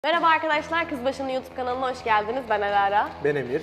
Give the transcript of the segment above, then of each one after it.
Merhaba arkadaşlar, Kızbaşı'nın YouTube kanalına hoş geldiniz. Ben Alara. Ben Emir.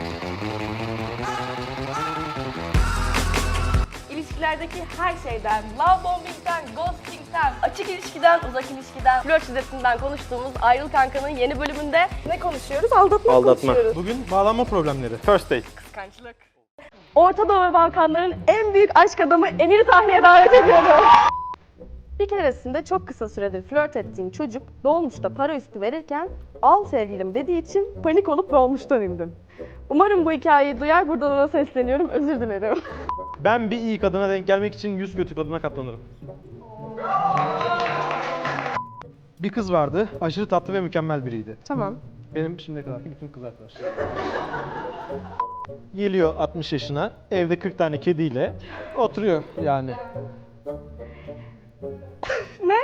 İlişkilerdeki her şeyden, love bombing'den, ghosting'den, açık ilişkiden, uzak ilişkiden, flört şiddetinden konuştuğumuz Ayrıl Kanka'nın yeni bölümünde ne konuşuyoruz? Aldatma konuşuyoruz. Bugün bağlanma problemleri. First date. Kıskançlık. Orta Doğu ve Balkanların en büyük aşk adamı Emir'i sahneye davet ediyorum. Bir keresinde çok kısa süredir flört ettiğim çocuk dolmuşta para üstü verirken al sevgilim dediği için panik olup dolmuştan indim. Umarım bu hikayeyi duyar, buradan ona sesleniyorum, özür dilerim. Ben bir iyi kadına denk gelmek için 100 kötü kadına katlanırım. Bir kız vardı, aşırı tatlı ve mükemmel biriydi. Tamam. Benim şimdiye kadarki bütün kız arkadaşlarım. Geliyor 60 yaşına, evde 40 tane kediyle oturuyor yani. Ne?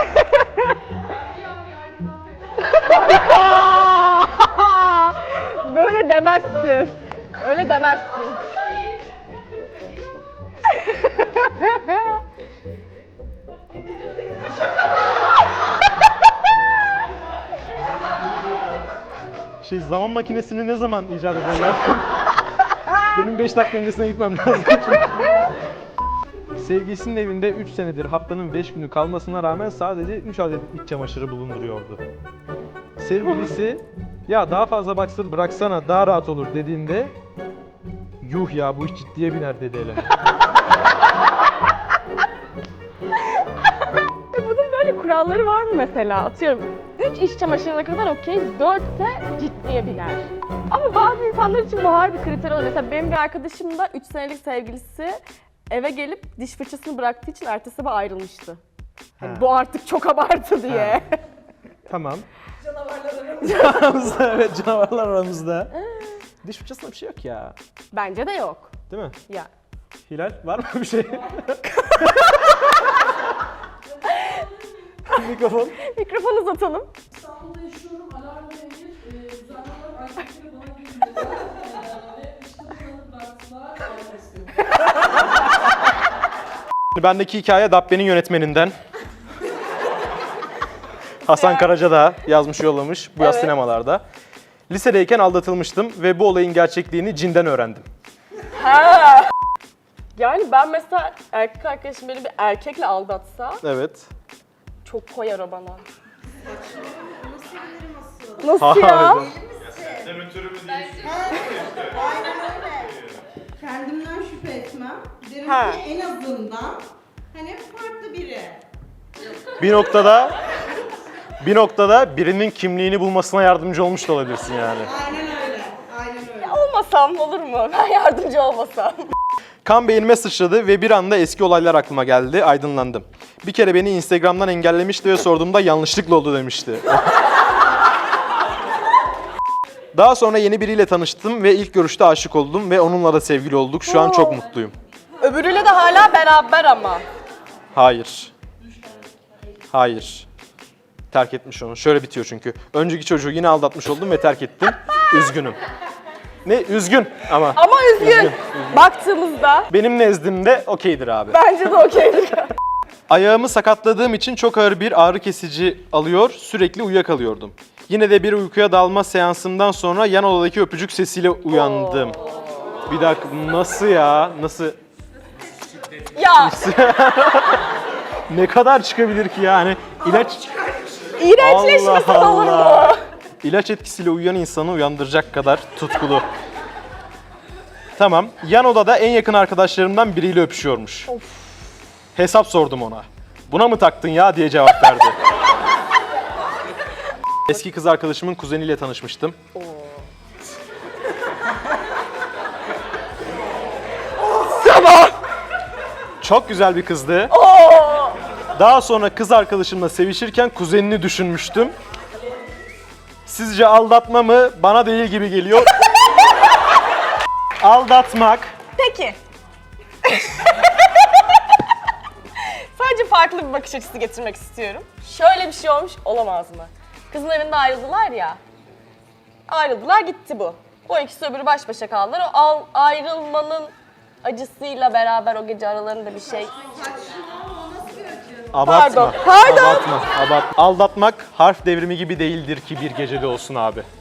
Böyle demezsin. Öyle demezsin. Zaman makinesini ne zaman icat ederler? Benim 5 dakika öncesine gitmem lazım. Sevgilisinin evinde 3 senedir haftanın 5 günü kalmasına rağmen sadece 3 adet iç çamaşırı bulunduruyordu. Sevgilisi ya daha fazla bıraksana daha rahat olur dediğinde yuh ya bu iş ciddiye biner dedi Elen. Bunun böyle kuralları var mı mesela? Atıyorum 3 iş çamaşırına kadar okey, 4 ise ciddiye biner. Ama bazı insanlar için bu harbi kriter oluyor. Mesela benim bir arkadaşım da 3 senelik sevgilisi eve gelip diş fırçasını bıraktığı için ertesi sabah ayrılmıştı. Yani bu artık çok abartı diye. Tamam. Canavarlar aramızda. Evet, canavarlar aramızda. Diş fırçasında bir şey yok ya. Bence de yok. Değil mi? Ya. Hilal var mı bir şey? Mikrofon. Mikrofon uzatalım. İstanbul'da yaşıyorum. Alarm ve Emir düzenli olarak erkekleri bana geliyorlar. Ve işte bunu bıraktılar. Ayrılmak istiyorum. Bendeki hikaye Dabbe'nin yönetmeninden. Hasan Karaca da yazmış yollamış bu yaz Evet. sinemalarda. Lisedeyken aldatılmıştım ve bu olayın gerçekliğini cinden öğrendim. Ha. Yani ben mesela erkek arkadaşım beni bir erkekle aldatsa Evet. çok koyar o bana. Nasıl ya? Harbiden. Aynen öyle. Kendimden şüphe etmem. Derim Ha. ki en azından hani farklı biri. Bir noktada birinin kimliğini bulmasına yardımcı olmuş da olabilirsin yani. Aynen öyle. Aynen öyle. Olmasam olur mu? Ben yardımcı olmasam. Kan beynime sıçradı ve bir anda eski olaylar aklıma geldi, aydınlandım. Bir kere beni Instagram'dan engellemişti ve sorduğumda yanlışlıkla oldu demişti. Daha sonra yeni biriyle tanıştım ve ilk görüşte aşık oldum ve onunla da sevgili olduk. Şu an çok mutluyum. Öbürüyle de hala beraber ama. Hayır. Hayır. Terk etmiş onu. Şöyle bitiyor çünkü. Önceki çocuğu yine aldatmış oldum ve terk ettim. Üzgünüm. Ne? Üzgün ama. Ama üzgün. Baktığımızda Benim nezdimde okeydir abi. bence de okeydir. Ayağımı sakatladığım için çok ağır bir ağrı kesici alıyor, sürekli uyuyakalıyordum. Yine de bir uykuya dalma seansımdan sonra yan odadaki öpücük sesiyle uyandım. Bir dakika, nasıl ya? Nasıl? Ya Ne kadar çıkabilir ki yani? İlaç... iğrençleşmesi Allah olur mu? Allah. İlaç etkisiyle uyuyan insanı uyandıracak kadar tutkulu. Tamam, yan odada en yakın arkadaşlarımdan biriyle öpüşüyormuş. Hesap sordum ona. Buna mı taktın ya diye cevap verdi. Eski kız arkadaşımın kuzeniyle tanışmıştım. Tamam. Çok güzel bir kızdı. Daha sonra kız arkadaşımla sevişirken kuzenini düşünmüştüm. Sizce aldatma mı? Bana değil gibi geliyor. Aldatmak. Peki. Sadece farklı bir bakış açısı getirmek istiyorum. Şöyle bir şey olmuş olamaz mı? Kızın evinde ayrıldılar ya. Ayrıldılar gitti bu. O ikisi öbürü baş başa kaldılar. O ayrılmanın acısıyla beraber o gece aralarında bir şey. Saçmalama, o nasıl bir acı? Abartma. Pardon. Abartma. Aldatmak harf devrimi gibi değildir ki bir gecede olsun abi.